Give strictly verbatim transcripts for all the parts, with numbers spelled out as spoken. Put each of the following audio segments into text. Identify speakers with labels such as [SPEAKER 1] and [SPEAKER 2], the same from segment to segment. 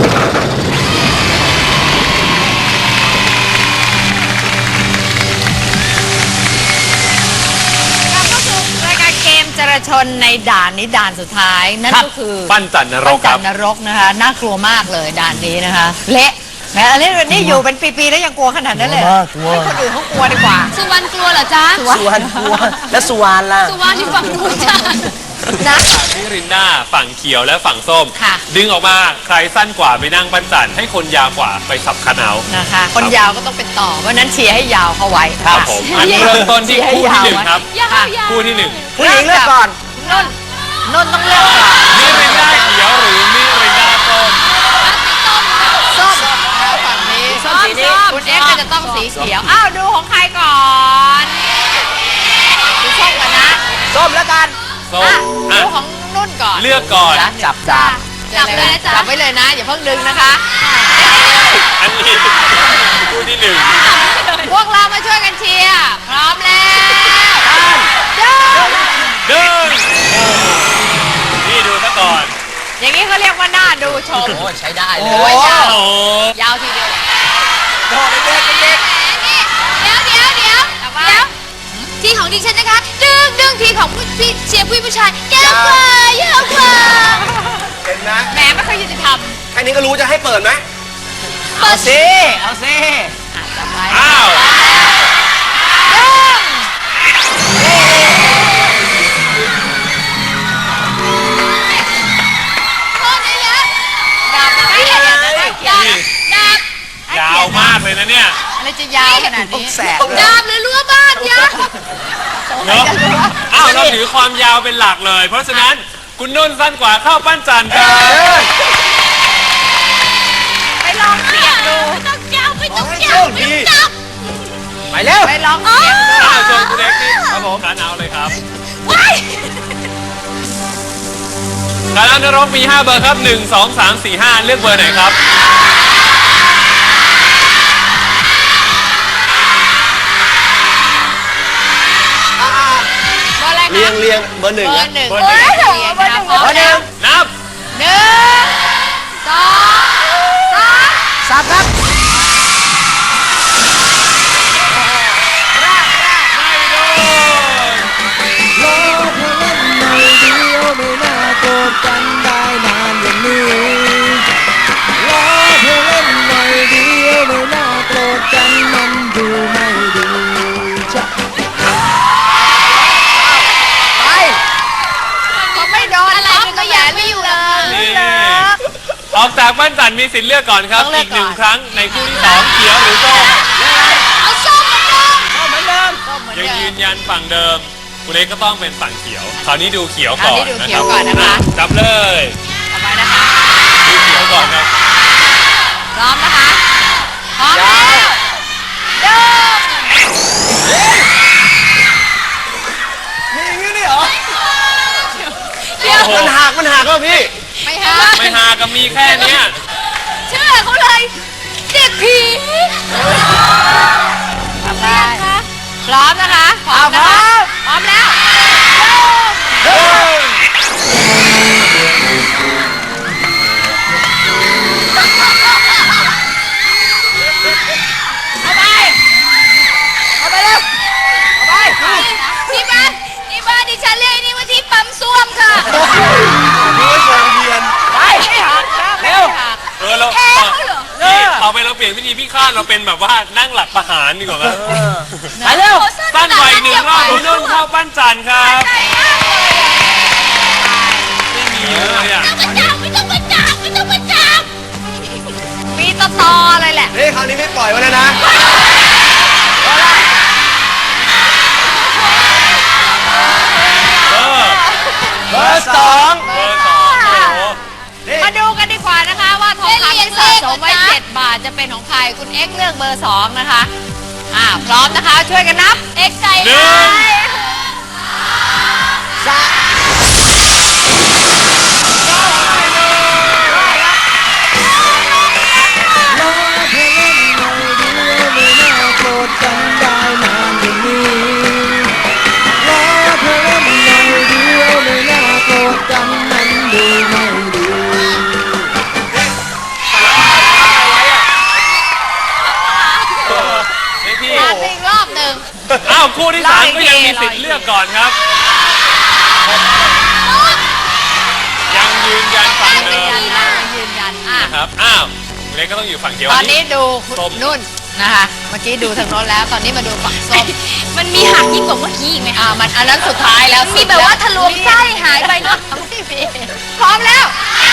[SPEAKER 1] จราชนในด่านนี้ด่านสุดท้ายนั่นก็คือ
[SPEAKER 2] ปั้นจันนรก
[SPEAKER 1] ปั้นจันนรกนะคะน่ากลัวมากเลยด่านนี้นะคะเละนะอันนี้นี่อยู่เป็นปีๆแล้วยังกลัวขนาดนั้นเลยให้คนอื่นเขากลัวดีกว่า
[SPEAKER 3] สุวรรณกลัวเหรอจ๊ะ
[SPEAKER 4] สุวรรณกลัวแล้วสุวรรณล่ะ
[SPEAKER 3] สุวรรณที่ฝั่งนู้นจ้ะ
[SPEAKER 1] นะ
[SPEAKER 2] มิรินดาฝั่งเขียวและฝั่งส้ม
[SPEAKER 1] ค่ะ
[SPEAKER 2] ดึงออกมาใครสั้นกว่าไปนั่งปั้นจันให้คนยาวกว่าไปสับคันเอา
[SPEAKER 1] นะคะคนยาวก็ต้องเป็นต่อเพราะนั้นเชียร์ให้ยาวเข้าไว้
[SPEAKER 2] ครับผมอันเริ่มต้นที่คู่ที่หนึ่งครับคู่ที่หนึ่ง
[SPEAKER 4] ผู้หญิงเลือกก่อน
[SPEAKER 1] นุ่นนุ่นต้องเลือกก่อน
[SPEAKER 2] มิรินดาเขียวหรือมิรินดาส้ม
[SPEAKER 1] ส้มนะคะฝั่งนี้ส้มสีนี้คุณเอ็กซ์ก็จะต้องสีเขียวอ้าวดูของใครก่อนดูส้มกันนะ
[SPEAKER 4] ส้มแล้วกัน
[SPEAKER 2] ส้ม
[SPEAKER 1] ดูของนุ่นก่อน
[SPEAKER 2] เลือกก่อน
[SPEAKER 4] จับจับ
[SPEAKER 1] จับเลยนะจับไว้เลยนะอย่าเพิ่งดึงนะคะ
[SPEAKER 2] อันนี้คู่ที่หนึ่ง
[SPEAKER 1] พวกเรามาช่วยกันเชียร์พร้อมแล้ว
[SPEAKER 2] ดึงนี่ดูซะก่อน
[SPEAKER 1] อย่างนี้เขาเรียกว่าหน้าดูชม
[SPEAKER 4] โอ้ใช้ได้เลย
[SPEAKER 1] โอ้ยยาวทีเดียว
[SPEAKER 4] โดดเด็กเด็ก
[SPEAKER 3] เดี๋ยวเดี๋ยวเดี๋ยวเดี๋ยวทีของดิฉันนะคะดึงดึงทีของพี่เชียร์ผู้ชายยาวกว่ายาวกว่า
[SPEAKER 4] เห็นไหม
[SPEAKER 1] แหมไม่ค่อยยุติธรรม
[SPEAKER 4] แค่นี้ก็รู้จะให้เปิดไหม
[SPEAKER 1] เอาสิเอาสิ
[SPEAKER 2] อ้าว
[SPEAKER 1] ย
[SPEAKER 2] าวมากเลยนะเนี่ย
[SPEAKER 1] อะไรจะยาวขนาดนี้
[SPEAKER 3] ดาบเลยรั้วบ้านยาว
[SPEAKER 2] เนาะอ้าวเราถือความยาวเป็นหลักเลยเพราะฉะนั้นคุณนุ่นสั้นกว่าเข้าปั้นจันครับ
[SPEAKER 1] ไปลองเสียบดู
[SPEAKER 3] ไม่ต้องยาวไม่ต้องยาวไม่ต้องจับ
[SPEAKER 4] ไปเร็ว
[SPEAKER 1] ไปลองเสียบดู
[SPEAKER 2] อ้าวเชิญคุณเอ็กซ์นี่ครับผมการเอาเลยครับการเอานรกมีห้าเบอร์ครับหนึ่งสองสามสี่ห้าเลือกเบอร์ไหนครับ
[SPEAKER 4] เรียงเรียงเบอร์หนึ่ง
[SPEAKER 1] เบอร์หนึ่ง
[SPEAKER 4] เบอร์หนึ่ง
[SPEAKER 1] เบอร์หนึ่งเบอร์หนึ่ง
[SPEAKER 4] เบอร์หนึ่ง
[SPEAKER 2] นับ
[SPEAKER 1] หนึ่งสองสาม
[SPEAKER 4] สับครับ
[SPEAKER 2] ไม่โดน
[SPEAKER 5] รอเธอเล่นหน่อยเดียวไม่น่าโกรธกันได้นานอย่างนี้รอเธอเล่นหน่อยเดียวไม่น่าโกรธกันมันดูไม่ดีจะ
[SPEAKER 1] อะไรมันก็ยังไม่อยู่เลย
[SPEAKER 2] ออกจากบ้านจันมีสิทธิ์เลือกก่อนครับอีกหนึ่งครั้งในคู่ที่สองเขียวหรือส้ม
[SPEAKER 3] เอาส้มเหมือนเดิม
[SPEAKER 4] ส้มเหมือนเดิม
[SPEAKER 2] ยังยืนยันฝั่งเดิมคุณเล็กก็ต้องเป็นฝั่งเขียวคราวนี้ดูเขียวก่อน
[SPEAKER 1] นะครับ
[SPEAKER 2] จับเลย
[SPEAKER 1] ทำไมนะคะ
[SPEAKER 2] ดูเขียวก่อนครับ
[SPEAKER 1] พร้อมนะคะพร้อมแล้วเดิม
[SPEAKER 4] มีอย่างนี้นี่เหรอมันหักมันหักแล้วพี่
[SPEAKER 1] ไม่หัก
[SPEAKER 2] ไม่หักก็มีแค่นี้
[SPEAKER 3] เชื่อเขาเลยเด็กผี
[SPEAKER 1] ทำได้พร้อมนะคะพร้อมนะคะพร้อมแล้วเดิมเอาไปเอาไปเร็วเอาไป
[SPEAKER 3] ที่บ้านที่บ้านดิฉันเรียกนี่ว่าที่ปั๊มส้วมค่ะ
[SPEAKER 4] นี่ว่าโรงเรียน
[SPEAKER 1] ไปไม่หักนะเร็ว
[SPEAKER 2] เออเราเอาไปเราเปลี่ยนวิธีพี่ข้าเราเป็นแบบว่านั่งหลักประหารดีกว่าไหม
[SPEAKER 4] ไปเร็ว
[SPEAKER 2] ปั้นไวหนึ่งรอบคุณนุ่นเข้าปั้นจันครับไม่มีเลยอ่ะ
[SPEAKER 3] ไม่ต้องมาจับไม่ต้องมาจับไม่ต้องมาจับ
[SPEAKER 1] มีตอตออะไรแหละ
[SPEAKER 4] นี่คราวนี้ไม่ปล่อยไว้แล้วนะเบอร์สอง
[SPEAKER 2] เบอร์สอง
[SPEAKER 1] มาดูกันดีกว่านะคะว่าทองคำที่สะสมไว้เจ็ดบาทจะเป็นของใครคุณเอ็กซ์เลือกเบอร์สองนะคะอ่าพร้อมนะคะช่วยกันนับ
[SPEAKER 3] เอ็กซ์ใจ
[SPEAKER 2] หนึ่ง
[SPEAKER 4] สาม
[SPEAKER 5] รอเธอเล่นหน่อยเดียวไม่น่าโกรธกันได้นานอย่างนี้รอเธอเล่นหน่อยเดียวไม่น่าโกรธกันมันดูไม่ดี
[SPEAKER 4] ไป
[SPEAKER 2] คู่ที่สามก็ยังมีสิทธิ์เลือกก่อนครับ ยังยืนยันฝั่งเดิ
[SPEAKER 1] ยืน
[SPEAKER 2] ม
[SPEAKER 1] ยันนะยืนยันอ่ะ
[SPEAKER 2] นะครับอ้าวคุณเล็กก็ต้องอยู่ฝั่งเดียว
[SPEAKER 1] ตอนนี้ดู
[SPEAKER 2] ส้ม
[SPEAKER 1] นุ่นนะคะเมื่อกี้ดูทางโน้นแล้ว ตอนนี้มาดูฝั่งส้ม
[SPEAKER 3] มันมีหักยิ่งกว่าเมื่อกี้อีกไหม
[SPEAKER 1] อ่ามันอันนั้นสุดท้ายแล้ว
[SPEAKER 3] มีแบบว่าทะลวงไส้หายไปเนอะ
[SPEAKER 1] ไม่มีพร้อมแล้ว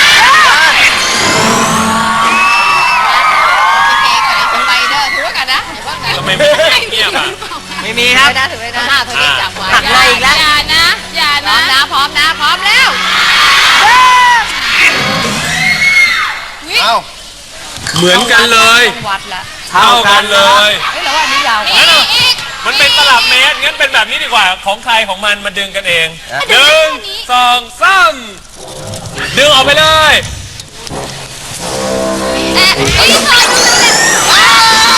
[SPEAKER 1] พี่เก๋กับไอ้สไปเดอร์ถือว่ากันนะถือว่ากัน
[SPEAKER 2] ทำไมไม่เงียบอ่ะ
[SPEAKER 4] ไม่มีครับ
[SPEAKER 1] ไม่ได้ถือไม่ได้หน้าเธอเรียกจับไว้
[SPEAKER 4] หักเลยอีกแล้ว
[SPEAKER 3] อย่านะ อย่า
[SPEAKER 1] พร้อ
[SPEAKER 3] นะ
[SPEAKER 1] มนะพร้อมนะพร้อมแล้ว
[SPEAKER 4] เอ้า
[SPEAKER 2] เหมือนกันเลย
[SPEAKER 1] ต้องวัดละ
[SPEAKER 2] เท่ากันเลย
[SPEAKER 1] เฮ้ยแล้วว่าอันนี้ยาวกว่า
[SPEAKER 2] งั้นเอามันเป็นตลับเมตรงั้นเป็นแบบนี้ดีกว่าของใครของมันมาดึงกันเองหนึ่งสองสามดึงออกไปเลย
[SPEAKER 3] เอ๊ะเอ้ยขอดูเลย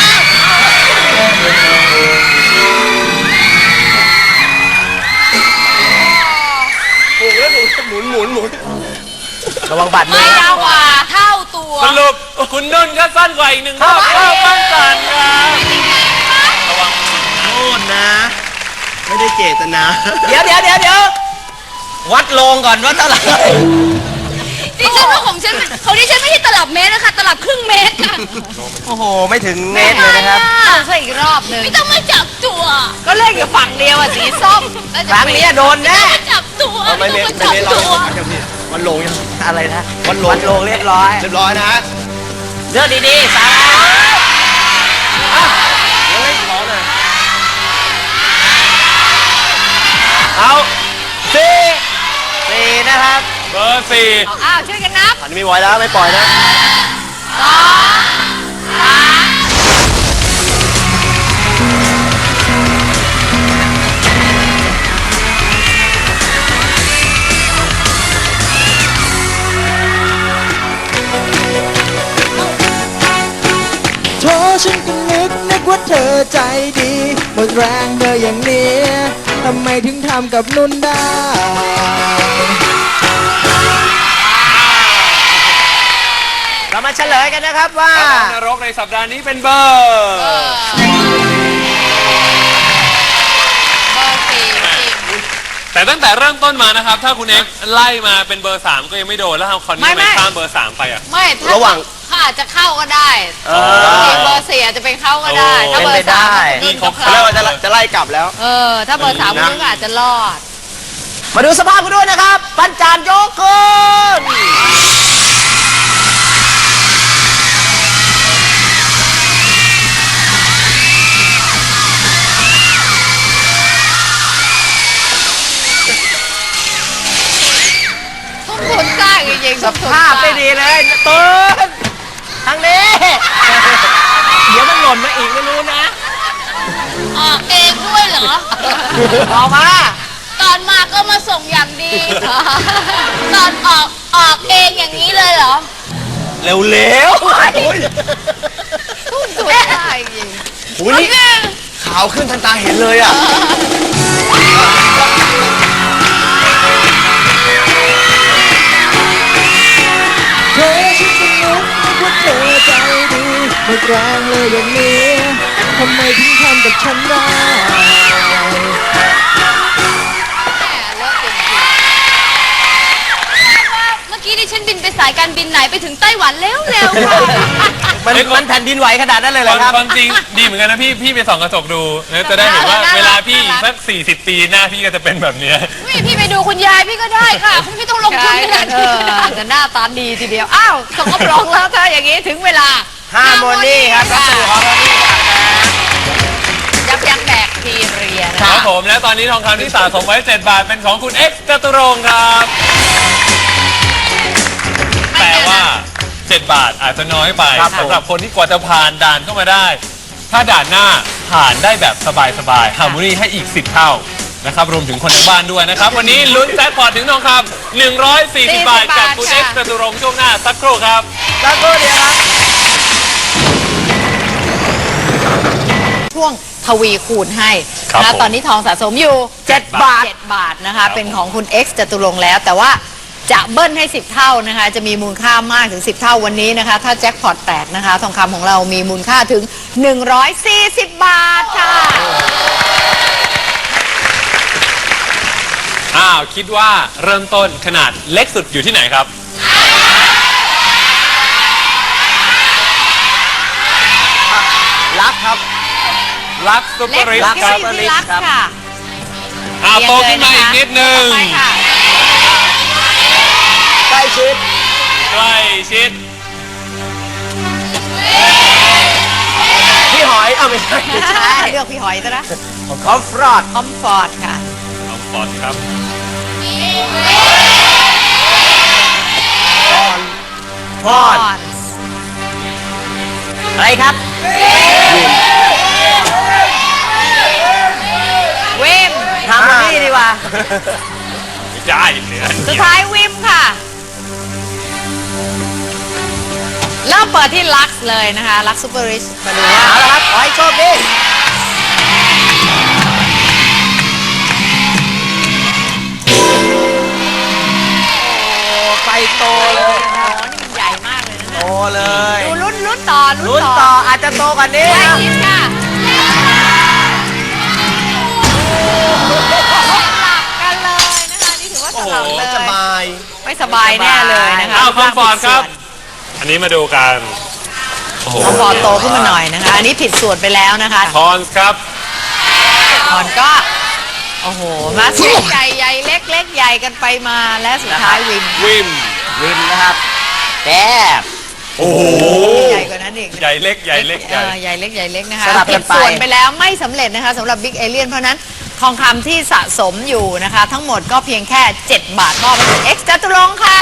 [SPEAKER 4] ถูกแล้วถูกหมุนหมุนหมุนระวังบาดมื
[SPEAKER 3] ไม่
[SPEAKER 4] อย
[SPEAKER 3] าวกว่าเท่าตัว
[SPEAKER 2] สรุปคุณนุ่นก็สั้นกว่าอีกหนึ่งรอบเข้าปั้นจันครับระวัง
[SPEAKER 4] โทษนะ ไม่ได้เจตนา เดี๋ยวเดี๋ยวเดี๋ยวเดี๋ยววัดลงก่อนว่าเท่าไหร่
[SPEAKER 3] ดิฉันว่าของฉันของดิฉันไม่ใช่ตลับเมตรนะคะตลับครึ่งเมตรค่ะ
[SPEAKER 4] โอ้โห ไม่ถึงเมตรเลยนะครับ
[SPEAKER 1] เอาซะอีกรอบหนึ่ง
[SPEAKER 3] ไม่ต้องมาจับตัว
[SPEAKER 1] ก็เล่นอยู่ฝั่งเดียวอ่ะสีส้มน่าจะ
[SPEAKER 4] ครั้งนี้โดนแน่
[SPEAKER 3] มาจับตัว
[SPEAKER 4] ไม่เมตร
[SPEAKER 3] มา
[SPEAKER 4] ไม่
[SPEAKER 3] จับ
[SPEAKER 4] เมตร
[SPEAKER 3] ตัว
[SPEAKER 4] วันลงยังอะไรนะวันลงวันลงเรียบร้อย เรียบร้อยนะเลือกดีๆสามเดี๋ยวเล่นขอหน่อยเอาสี่สี่นะครับ
[SPEAKER 2] เบอร์สี่
[SPEAKER 1] อ้าวช่วยกันนับ
[SPEAKER 4] อันนี้ไม่ไหวแล้วไม่ปล่อยนะ
[SPEAKER 1] สองสาม
[SPEAKER 5] โทษฉันก็นึกนึกว่าเธอใจดีหมดแรงเธออย่างนี้ทำไมถึงทำกับนุ่นได้
[SPEAKER 4] เรามาเฉลยกันนะครับว่า
[SPEAKER 2] นรกในสัปดาห์นี้เป็นเบอร์
[SPEAKER 1] เออเบอร์สี่จริง
[SPEAKER 2] แต่ตั้งแต่เริ่มต้นมานะครับ ถ้าคุณเอ็กซ์ไล่มาเป็นเบอร์สามก็ยังไม่โดนแล้วทำคราวนี้
[SPEAKER 1] ไม่
[SPEAKER 2] ทำ
[SPEAKER 1] ไม่
[SPEAKER 2] ไมข้ามเบอร์สามไปอ่ะ
[SPEAKER 1] ไม่ถ้า
[SPEAKER 4] ระหว่าง
[SPEAKER 1] เขาอาจจะเข้าก็ได้
[SPEAKER 4] เออ
[SPEAKER 1] จริงเบอร์สี่อาจจะเป็นเข้าก็ได้
[SPEAKER 2] โอ้
[SPEAKER 1] ถ้าเบอร์สาม
[SPEAKER 2] นี่
[SPEAKER 1] ก็
[SPEAKER 2] เขา
[SPEAKER 1] นุ่นก็
[SPEAKER 4] เรียก
[SPEAKER 1] เข้า
[SPEAKER 4] ว่าจะจะไล่กลับแล้ว
[SPEAKER 1] เออ ถ้าเบอร์สามคุณนุ่นก็อาจจะรอด
[SPEAKER 4] มาดูสภาพกันด้วยนะครับ ปัญจานยกขึ้น
[SPEAKER 1] ทุ่มทุนสร้างจริงๆ
[SPEAKER 4] สภาพไม่ดีเลยตื่นทางนี้ เดี๋ยวมันหล่นมาอีกไม่รู้นะ
[SPEAKER 3] ออกเองด้วยเหรอ
[SPEAKER 4] ออกมา
[SPEAKER 3] ตอนมาก็มาส่งอย่างดี ตอนออกออกเองอย่างนี้เลยเหรอ
[SPEAKER 4] เร็วๆโอ้ย
[SPEAKER 1] ทุ่มทุนสร้างจริง
[SPEAKER 4] โอ้ยนี่ขาวขึ้นทันตาเห็นเลยอ่ะ
[SPEAKER 5] เธอฉันก็นึกนึกว่าเธอใจดีหมดแรงเลยอย่างนี้ทำไมถึงทำกับฉันได้
[SPEAKER 1] แหมเลิศจริง
[SPEAKER 3] เมื่อกี้ดิฉันบินไปสายการบินไหนไปถึงไต้หวันเร็วเร็ว
[SPEAKER 4] มันมันแผ่นดินไหวขนาดนั้นเลยเหรอครับ
[SPEAKER 2] ความจริงดีเหมือนกันนะพี่พี่ไปส่องกระจกดูแล้วจะได้เห็นว่าเวลาพี่อีกสักสี่สิบปีหน้าพี่ก็จะเป็นแบบเนี้ย
[SPEAKER 3] พี่พี่ไปดูคุณยายพี่ก็ได้ค่ะ คุณไม่ต้องลง
[SPEAKER 1] ๆ
[SPEAKER 3] ทุ
[SPEAKER 1] ใช่
[SPEAKER 3] นขนาด
[SPEAKER 1] เอ
[SPEAKER 3] นี้
[SPEAKER 1] อ
[SPEAKER 3] ก็ได้
[SPEAKER 1] จะหน้าตาดีทีเดียว อ้าวสกปรกแล้วถ้าอย่างนี้ถึงเวลา
[SPEAKER 4] ฮาร์โมนีครับรับสู่ฮาร์โมนีครับ
[SPEAKER 1] ยับยั้งแบคทีเรียนะ
[SPEAKER 2] ค
[SPEAKER 1] คะ
[SPEAKER 2] รับผมและตอนนี้ทองคำที่สะสมไว้เจ็ดบาทเป็นของคุณเอ็กซ์จตุรงค์ครับแต่ว่าเจ็ดบาทอาจจะน้อยไป
[SPEAKER 4] ครับผม
[SPEAKER 2] สำหรับคนที่กว่าจะผ่านด่านเข้ามาได้ ถ้าด่านหน้าผ่านได้แบบสบายๆฮาร์โมนีให้อีกสิบเท่านะครับรวมถึงคนทางบ้านด้วยนะครับ วันนี้ลุ้นแจ็คพอตถึงทองคำหนึ่งร้อยสี่สิบบาทจากคุณเอ็กซ์จตุรงค์ช่วงหน้าสักครู่ครับ
[SPEAKER 4] สักครู่เดียวครับ
[SPEAKER 1] ช่วงทวีคูณให้
[SPEAKER 2] ครับ
[SPEAKER 1] นะ
[SPEAKER 2] ผม
[SPEAKER 1] ตอนนี้ทองสะสมอยู่
[SPEAKER 2] เจ็ด
[SPEAKER 1] บาทเจ็ดบาทนะคะ เป็นของคุณ X จตุรงค์แล้ว แต่ว่าจะเบิ้ลให้สิบเท่านะคะ จะมีมูลค่ามากถึงสิบเท่าวันนี้นะคะ ถ้าแจ็คพอตแตกนะคะ ทองคำของเรามีมูลค่าถึงหนึ่งร้อยสี่สิบบาทค่ะ
[SPEAKER 2] อ้าวคิดว่าเริ่มต้นขนาดเล็กสุดอยู่ที่ไหนครับ
[SPEAKER 4] รักครับ
[SPEAKER 2] ลักซูเป
[SPEAKER 1] เล็
[SPEAKER 2] อก ร์ริส
[SPEAKER 1] สุด
[SPEAKER 2] ครับ
[SPEAKER 1] ก็อยู่ที่รักค่ะ
[SPEAKER 2] อ้าวโตขึ้นมาอีกนิดนึง
[SPEAKER 1] ต่อไปค่ะ
[SPEAKER 4] ใกล้ชิด
[SPEAKER 2] ใกล้ชิด
[SPEAKER 4] พี่หอยเอาไม่ใช่ไม่ใช่
[SPEAKER 1] เลือกพี่หอยซะนะ
[SPEAKER 4] คอฟรอด
[SPEAKER 1] คอมฟอร์ตค่ะ
[SPEAKER 2] น้องฟอร์ดครับ
[SPEAKER 4] พอดอะไรครับ
[SPEAKER 1] วิม
[SPEAKER 4] ทำมานี่ดีกว่า
[SPEAKER 2] ไม่ได้เหลือ
[SPEAKER 1] สุดท้ายวิมค่ะ เริ่มเปิดที่ลักซ์เลยนะคะลักซ์ซูเปอร์ริชมาดูว่า
[SPEAKER 4] เอาละครับขอให้โชคดีโอ้ไฟโตเลยค
[SPEAKER 1] โอ้
[SPEAKER 4] รับ
[SPEAKER 1] นี่มันใหญ่มากเลยนะ
[SPEAKER 4] โตเลย
[SPEAKER 1] ดูลุ้นลุ้นต่อ
[SPEAKER 4] ลุ้นต่ออาจจะโตกว่านี้
[SPEAKER 1] ใกล้
[SPEAKER 4] นะ
[SPEAKER 1] ชิดค่ะหลับกันเลยนะคะนี่ถือว่าสลับเลย
[SPEAKER 4] สบาย
[SPEAKER 1] ไม่สบายแน่เลยนะคะ
[SPEAKER 2] อ้าวคอมฟอร์ดครับ อันนี้มาดูกันโอ้โห
[SPEAKER 1] คอมฟอร์ตโตขึ้นมาหน่อยนะคะ อันนี้ผิดส่วนไปแล้วนะคะ
[SPEAKER 2] คอนส์ครับ
[SPEAKER 1] ก่อนก็โอ้โหมาเล็กใหญ่ใหญ่เล็กเล็กใหญ่กันไปมาและสุดท้ายวิม
[SPEAKER 2] วิม
[SPEAKER 4] วินนะครับแป๊บ
[SPEAKER 2] โอ้โห
[SPEAKER 1] ใหญ่กว่านั้นอีก
[SPEAKER 2] ใหญ่เล็กใหญ่เล็กใหญ่
[SPEAKER 1] เออใหญ่เล็กใหญ่เล็กนะคะ
[SPEAKER 4] สลับ
[SPEAKER 1] ผิ
[SPEAKER 4] กั
[SPEAKER 1] ด
[SPEAKER 4] นไป
[SPEAKER 1] ส่วนไปแล้วไม่สำเร็จนะคะสำหรับบิ๊กเอเลียนเพราะฉะนั้นทองคำที่สะสมอยู่นะคะ ทั้งหมดก็เพียงแค่ เจ็ด บาทมอบไปถึงเอ็กซ์จตุรงค์ค่ะ